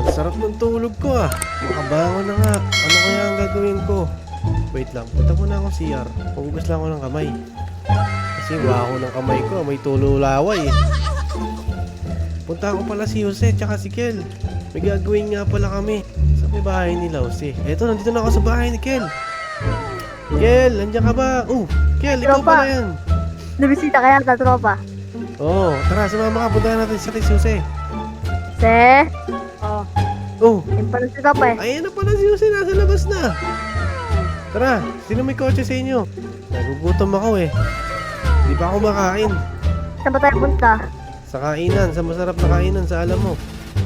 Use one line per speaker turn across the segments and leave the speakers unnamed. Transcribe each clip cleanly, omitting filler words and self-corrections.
Sarap ng tulog ko ah. Makabangon na nga. Ano kaya ang gagawin ko? Wait lang, punta muna ako CR. Hugas lang ako ng kamay. Kasi baho ng kamay ko, may tululaway eh. Punta ko pala si Jose tsaka si Kel. May gagawin nga pala kami. Sa may bahay nila Jose. Eto, nandito na ako sa bahay ni Kel. Kel, nandiyan ka ba? Kel, ikaw
Tropa.
pala yan.
Nabisita kaya sa tropa.
Oo, tara, sumama ka. Punta natin si Jose.
Se? Yung pala si tropa eh.
Ayan na pala si Jose, nasa labas na. Tara, sino may kotse sa inyo? Nagugutom ako eh. Di pa ako makain.
Saan ba tayo punta?
Sa kainan, sa masarap na kainan, sa alam mo.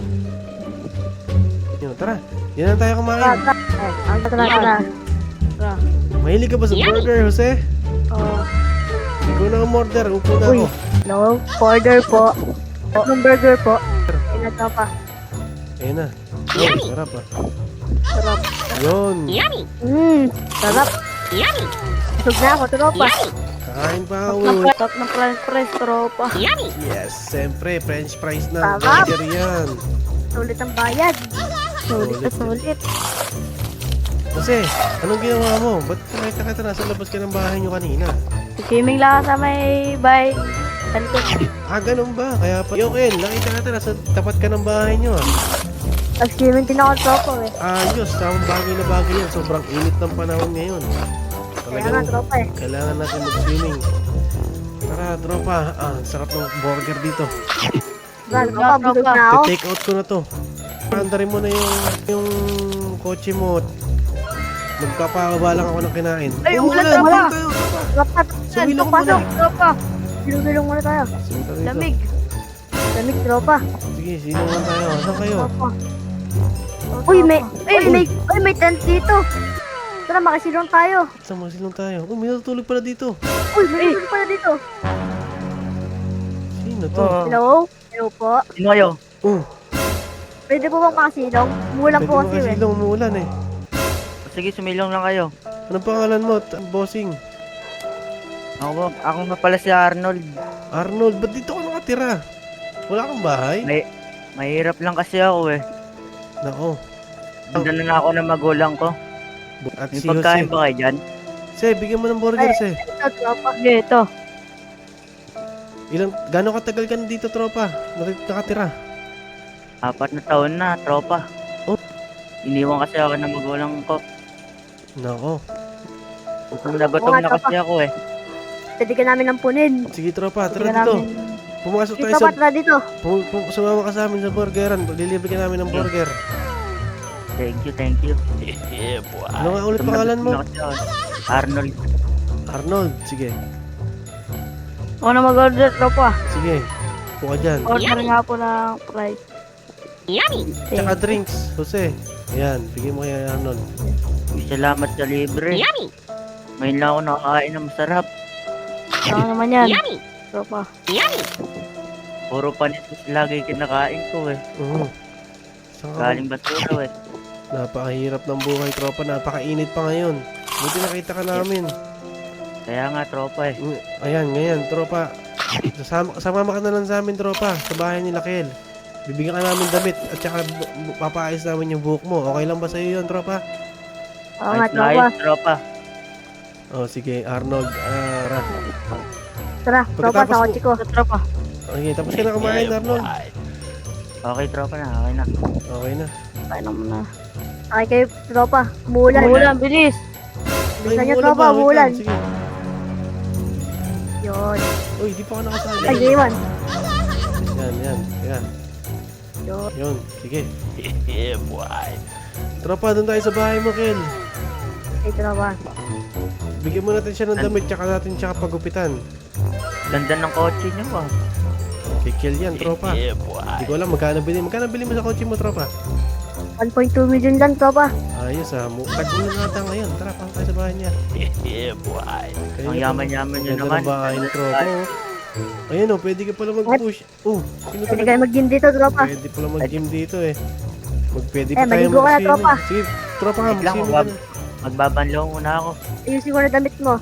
Yun, tara, yan na tayo
Tara,
kumain.
tara.
Mahilig ka ba sa burger, Jose?
Oh.
Ikaw na umorder, upo na
Uy,
ako.
no, order po. Anong burger po? Ayun na tropa.
Ayun na. Oh, sarap ah.
Sarap.
Yun.
Sarap. Busog na ako, tropa.
Kakain pa ako.
Top ng french tropa.
Yes, siyempre, french fries na.
Sarap.
Burger yan.
Sulit ang bayad. Sulit na sulit.
Jose, anong ginawa mo? Ba't nakita kita nasa labas ka ng bahay nyo kanina?
Gaming lang sa may bay. Talikod.
Ganun ba? Kaya pa... Yo, Ken, nakita kita nasa tapat ka ng bahay nyo ah.
Nag-gaming din ako tropa eh.
Ayos, tamang bagay na bagay yan. Sobrang init ng panahon ngayon.
Kaya nga tropa eh.
Kailangan natin mag-swimming. Tara, tropa. Sarap ng burger dito.
Tropa, busog na ako.
Take out ko na to. Andarin mo na yung kotse mo. Magpapababa lang ako ng kinain.
Ay,
Wala,
umulan, tropa.
wala tayo, tropa.
Tropa,
Sumilong
pasok,
muna.
tropa. Silong muna tayo.
Sino tayo dito?
Lamig. Lamig, tropa.
Sige, sino man tayo? Saan kayo?
Tropa. Uy, may tent dito. Tara, makasilong tayo.
Saan mga silong tayo? May natutulog pala dito.
Uy, may silong pala dito.
Sino to?
Hello? Hello po.
Sino kayo?
Pwede po bang makasilong? Umulan
Pwede
po
mo
kasi
kasi
eh.
silong umuulan eh.
Sige, sumilong lang kayo.
Anong pangalan mo? Bossing.
Ako nga pala si Arnold.
Arnold, ba't dito ka nakatira? Wala kang bahay?
Mahirap lang kasi ako eh.
Nako.
Nandun na ako ng magulang ko.
At
May
si
pagkain
Jose.
ba kayo dyan?
Se, bigyan mo ng burger, Se.
Ito, tropa. Ito.
Gano'ng katagal ka na dito, tropa? Nakatira?
4 na taon na, tropa.
Oh.
Iniwan kasi ako ng magulang ko.
Nako.
Gutom na gutom na kasi ako eh.
Pwede ka namin ampunin.
Sige, tropa.
Pwede
Tara
ka
dito.
namin...
Pumasok
Dito
tayo
ba,
sa...
tara dito.
Sumama ka sa amin sa burgeran. Lilibre ka namin ng burger.
Thank you.
Ano nga ulit pangalan mo?
Gutom na kasi ako. Arnold.
Arnold. Sige.
Ako na mag-order, tropa.
Sige. Upo ka dyan.
Order nga po ng fries.
Tsaka drinks. Jose. Ayan. Bigyan mo kay Arnold.
Salamat sa libre. Ngayon lang ako nakakain ng masarap.
Ano naman yan? Tropa.
Puro panis lagi kinakain ko eh.
Saan ka?
Galing basura eh.
Napakahirap ng buhay, tropa. Napakainit pa ngayon. Buti nakita ka namin.
Kaya nga tropa eh.
Ayan, ngayon, tropa. Sumama ka na lang sa amin, tropa. Sa bahay ni Lakel. Bibigyan ka namin damit at saka papaayos namin yung buhok mo. Okay lang ba sa'yo yun, tropa?
Oo nga,
Ayos na
tropa.
ayos, tropa.
Oh, sige, Arnold.
Tara, tropa,
Pagkatapos
sa kotse ko. Tropa.
Okay, tapos ka na kumain, Arnold.
Okay tropa na, okay na.
Okay na.
Kaya naman na. Okay kayo, tropa. Umulan. Bilis. Bilisan niyo, tropa.
wait lang,
Umulan.
Sige.
Yun.
Uy, di pa ka nakasali.
Ay, iwan.
Yan.
Yun.
Yun, sige. Tropa, doon tayo sa bahay mo, Kel.
Ay, tropa.
Bigyan mo natin siya ng damit, tsaka natin siya pagupitan.
Ganda ng kotse niyo ah.
Kay Kel yan, tropa. Hindi ko alam, magkano bili mo sa kotse mo, tropa?
1.2 million lang, tropa.
Ayos ah, tag-ulan na ata ngayon. Tara, pasok tayo sa bahay niya. Kaya
Ang yaman-yaman niyo
ganda
naman.
ng bahay ni tropa, oh. Ayun oh, pwede ka pala mag-push. Sino
Pwede kayo mag-gym dito, tropa.
Pwede pala mag-gym dito eh. Pwede
Eh,
pa tayo
maligo ka na, tropa.
Sige, tropa nga,
Wait lang,
mag-swimming ka na.
magbabanlaw muna ako.
Ayusin ko na damit mo.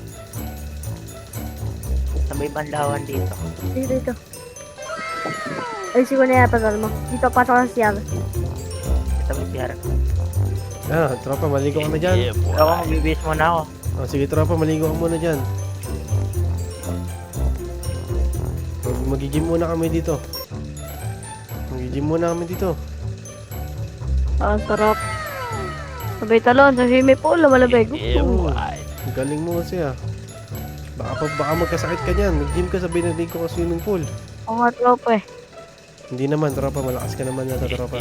Sa may banlawan dito.
Dito. Ayusin ko na yan, pasal mo. Dito, pasok ka sa CR.
CR.
Tropa, maligo ka na dyan.
Ako, magbibis muna ako.
Sige, tropa, maligo ka muna dyan. Mag-gym muna kami dito. Mag-gym muna kami dito.
Ang sarap. Sabay talon sa swimming pool, lumalabig.
Galing mo kasi Baka magkasakit ka niyan. Nag-gym ka, sabay na ko sa swimming pool.
Oo nga, tropa eh.
Hindi naman, tropa. Malakas ka naman yata, tropa.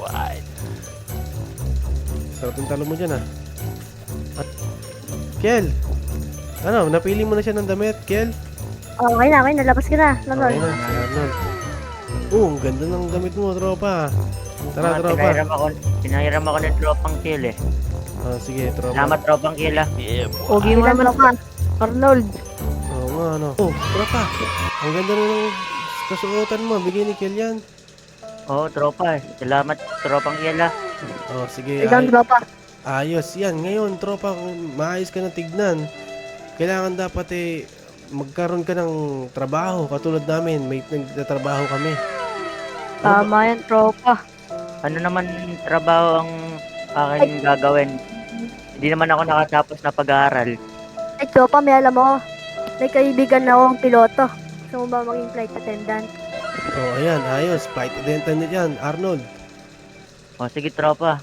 Sarap yung talo mo dyan, At, Kel! Napili mo na siya ng damit, Kel?
Okay na, nalabas ka na.
Okay na, si Arnold. Ang ganda ng damit mo, tropa. Tara,
Mga
tropa.
Pinahiram ako ng tropang kill eh.
Sige, tropa.
Salamat tropang kill
Pogi mo naman ka, Arnold.
Oo nga, tropa. Ang ganda na ng kasuotan mo. Bigay ni Kel yan.
Oo, tropa eh. Salamat tropang kill
Sige.
Isang tropa.
Ayos. Yan. Ngayon, tropa, kung maayos ka ng tignan, kailangan dapat magkaroon ka ng trabaho. Katulad namin, may nagtatrabaho kami.
Tama yan, tropa.
Ano naman trabaho ang aking gagawin? Hindi naman ako nakatapos na pag-aaral.
Ay, tropa, may alam mo. May kaibigan na akong piloto. Gusto mo ba maging flight attendant?
Ayan. Ayos. Flight attendant yan, Arnold.
Sige tropa.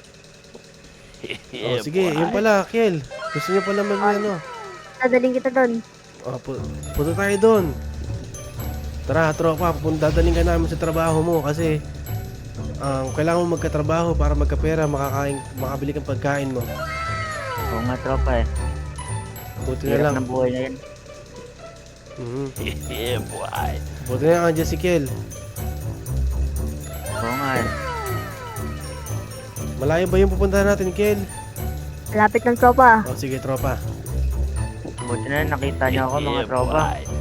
Sige. Yun pala, Kel. Gusto niyo pala
Dadaling kita doon.
Punta tayo doon. Tara, tropa, dadaling ka namin sa trabaho mo kasi kailangan mo magkatrabaho para magkapera, makabili kang pagkain mo.
Oo nga tropa eh.
Buti na
Hirap
lang.
ng buhay na yun.
Buti na lang andyan si Kel.
Oo nga eh.
Malayo ba yung pupuntahan natin, Kel?
Malapit ng tropa.
Sige, tropa.
Buti na nakita niyo ako mga tropa.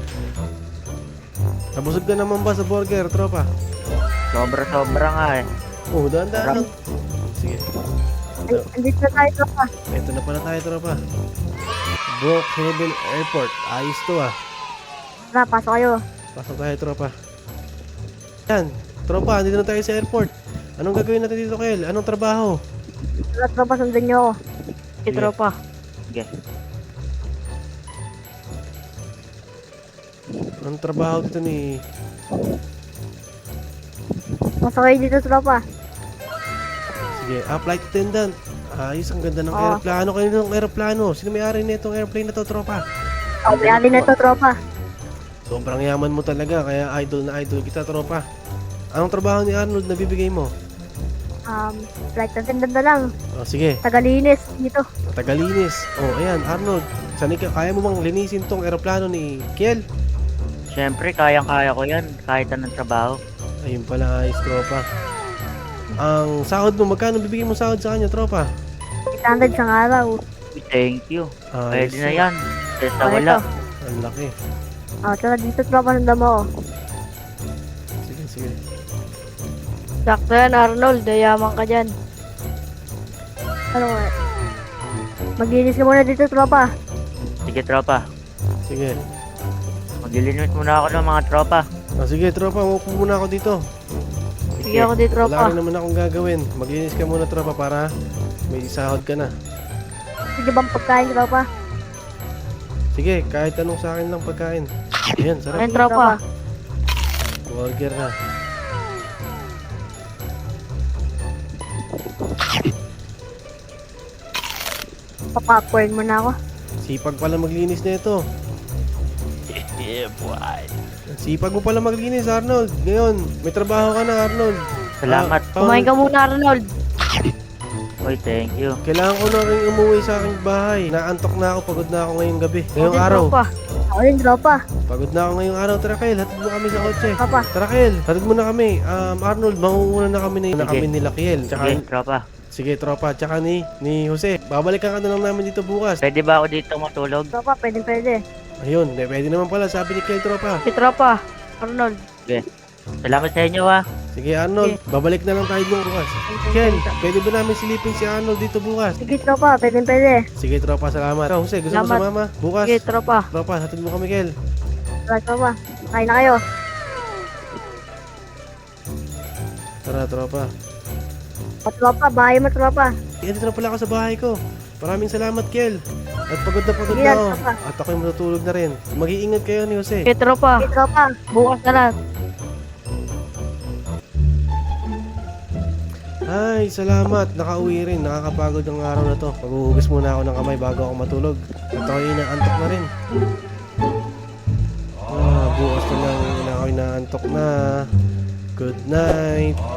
Nabusog ka naman ba sa burger, tropa?
Sobra nga eh.
Dahan-dahan lang. Sige.
Ay, andito na tayo, tropa.
Ito na pala tayo, tropa. Brookhaven Airport. Ayos to,
Tara, pasok kayo.
Pasok tayo, tropa. Yan. Tropa, andito na tayo sa airport. Anong gagawin natin dito, Kel? Anong trabaho?
Tara, tropa, sundan niyo ako.
Sige.
Tropa.
Sige.
Anong trabaho dito ni...
Pasok kayo dito, tropa.
Sige, flight attendant. Ayos, ang ganda ng
Oo.
aeroplano. Kayo ng aeroplano. Sino may-ari na itong airplane na to, tropa?
Mayali na to, tropa.
Sobrang yaman mo talaga, kaya idol na idol kita, tropa. Anong trabaho ni Arnold na bibigay mo?
Flight attendant na lang.
Sige,
Tagalinis dito.
tagalinis. Ayan, Arnold. Kaya mo bang linisin tong aeroplano ni Kiel?
Siyempre, kayang-kaya ko yan. Kahit anong trabaho.
Ayun pala, ayos, tropa. Ang sahod mo, magkano bibigay mo sahod sa kanya, tropa?
800 sa araw.
Thank you.
Ayos.
Pwede na yan. Kesa
Okay
wala.
to.
Ang laki.
Tara dito, tropa, sundan mo.
Sige.
Sakto yan, Arnold. Dayaman ka dyan. Ano nga? Maglinis ka muna dito, tropa.
Sige tropa.
Sige.
Maglilinis muna ako ng mga tropa.
Sige, tropa, umupo muna ako dito.
Sige ako dito,
Wala
tropa.
rin naman akong gagawin. Maglinis ka muna, tropa, para may sahod ka na.
Sige bang pagkain, tropa?
Sige, kahit anong sa akin lang pagkain. Ayan, sarap.
Ayun, tropa.
Burger na.
Papapcorn mo na ako.
Sipag pala maglinis na ito. Sipag mo pala maglinis, Arnold. Ngayon, may trabaho ka na, Arnold.
Salamat.
Kumain ka muna, Arnold.
Oy, thank you.
Kailangan ko na rin umuwi sa aking bahay. Naantok na ako, pagod na ako ngayong gabi. Ngayong araw.
Tropa. Ako din, tropa.
Pagod na ako ngayong araw. Tara, Kyle, hatid mo kami sa kotse.
Tropa.
Tara, Kyle, hatid mo na kami. Arnold, mangunguna na kami na
Sige.
kami nila, Kiel. Tsaka,
Sige, tropa.
sige, tropa. Tsaka ni Jose. Babalikan ka na lang namin dito bukas.
Pwede ba ako dito matulog?
Tropa, pwede.
Ayun, pwede naman pala. Sabi ni Kiel, tropa.
Si tropa. Arnold.
Sige. Salamat sa inyo ha.
Sige, Arnold. Babalik na lang tayo doon bukas. Ken, pwede ba namin silipin si Arnold dito bukas?
Sige, tropa. Pwede.
Sige, tropa. Salamat. Jose, gusto mo
Salamat.
sumama? Bukas.
Sige, tropa.
Tropa, hatid mo kami, Kel.
Tara, tropa. Kain na kayo.
Tara, tropa.
Tropa, bahay mo, tropa.
Dito na pala ako sa bahay ko. Maraming salamat, Kel. At pagod na
Sige,
ako.
tropa.
At ako'y matutulog na rin. Mag-iingat kayo ni Jose.
Okay, tropa. Okay, tropa. Bukas na lang.
Ay, salamat. Nakauwi rin. Nakakapagod ang araw na to. Maghuhugas muna ako ng kamay bago ako matulog. At ako'y inaantok na rin. Bukas na lang ako'y inaantok na. Good night.